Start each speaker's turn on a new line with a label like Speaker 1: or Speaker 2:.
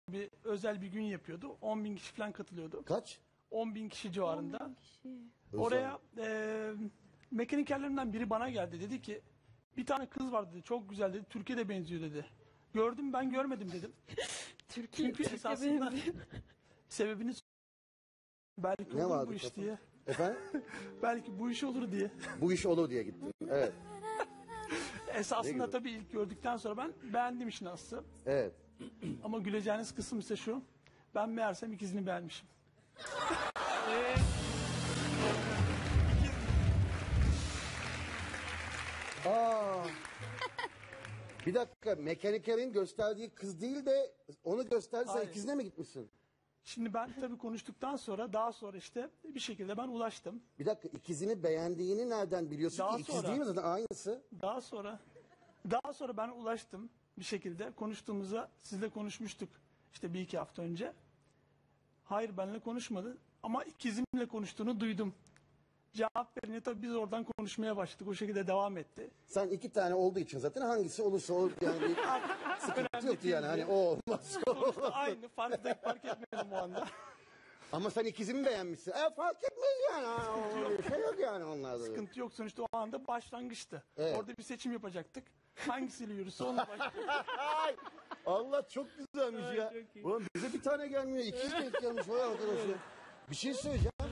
Speaker 1: bir özel bir gün yapıyordu. 10.000 kişi falan katılıyordu.
Speaker 2: Kaç?
Speaker 1: 10.000 kişi civarında.
Speaker 3: 10.000 kişi.
Speaker 1: Oraya mekanikerlerinden biri bana geldi. Dedi ki bir tane kız var dedi. Çok güzel dedi. Türkiye'de benziyor dedi. Gördüm ben görmedim dedim. Çünkü esasında sebebini belki
Speaker 2: Ne
Speaker 1: olur
Speaker 2: vardı
Speaker 1: bu iş
Speaker 2: kafanda?
Speaker 1: diye.
Speaker 2: Efendim?
Speaker 1: Belki bu iş olur diye.
Speaker 2: Bu iş olur diye gittim. Evet. Ne
Speaker 1: Esasında
Speaker 2: güzel.
Speaker 1: tabii ilk gördükten sonra ben beğendim işin aslı.
Speaker 2: Evet.
Speaker 1: Ama güleceğiniz kısım ise şu. Ben meğersem ikizini beğenmişim.
Speaker 2: Aa. Bir dakika, mekanikerin gösterdiği kız değil de onu gösterdi, sen
Speaker 1: Hayır.
Speaker 2: ikizine mi gitmişsin?
Speaker 1: Şimdi ben tabii konuştuktan sonra daha sonra işte bir şekilde ben ulaştım.
Speaker 2: Bir dakika, ikizini beğendiğini nereden biliyorsun
Speaker 1: Daha
Speaker 2: ki? İkiz
Speaker 1: sonra.
Speaker 2: değil mi zaten, aynısı?
Speaker 1: Daha sonra ben ulaştım bir şekilde. Konuştuğumuzda sizle konuşmuştuk işte bir iki hafta önce. Hayır benimle konuşmadı ama ikizimle konuştuğunu duydum. Cevap verince tabii biz oradan konuşmaya başladık. O şekilde devam etti.
Speaker 2: Sen iki tane olduğu için zaten hangisi olursa olur yani bir sıkıntı yoktu yani, hani o olmaz. o olmaz.
Speaker 1: Aynı fark etmedim o anda.
Speaker 2: Ama sen ikizimi beğenmişsin. Fark etmez yani. Bir şey yok yani onlarda.
Speaker 1: Sıkıntı yok sonuçta o anda başlangıçtı.
Speaker 2: Evet.
Speaker 1: Orada bir seçim yapacaktık. Hangisiyle yürürse onunla başladık.
Speaker 2: Ay, Allah çok güzelmiş ya.
Speaker 1: çok iyi.
Speaker 2: Ulan bize bir tane gelmiyor. İkiz denk gelmiş vay arkadaşlar. Bir şey söyleyeceğim.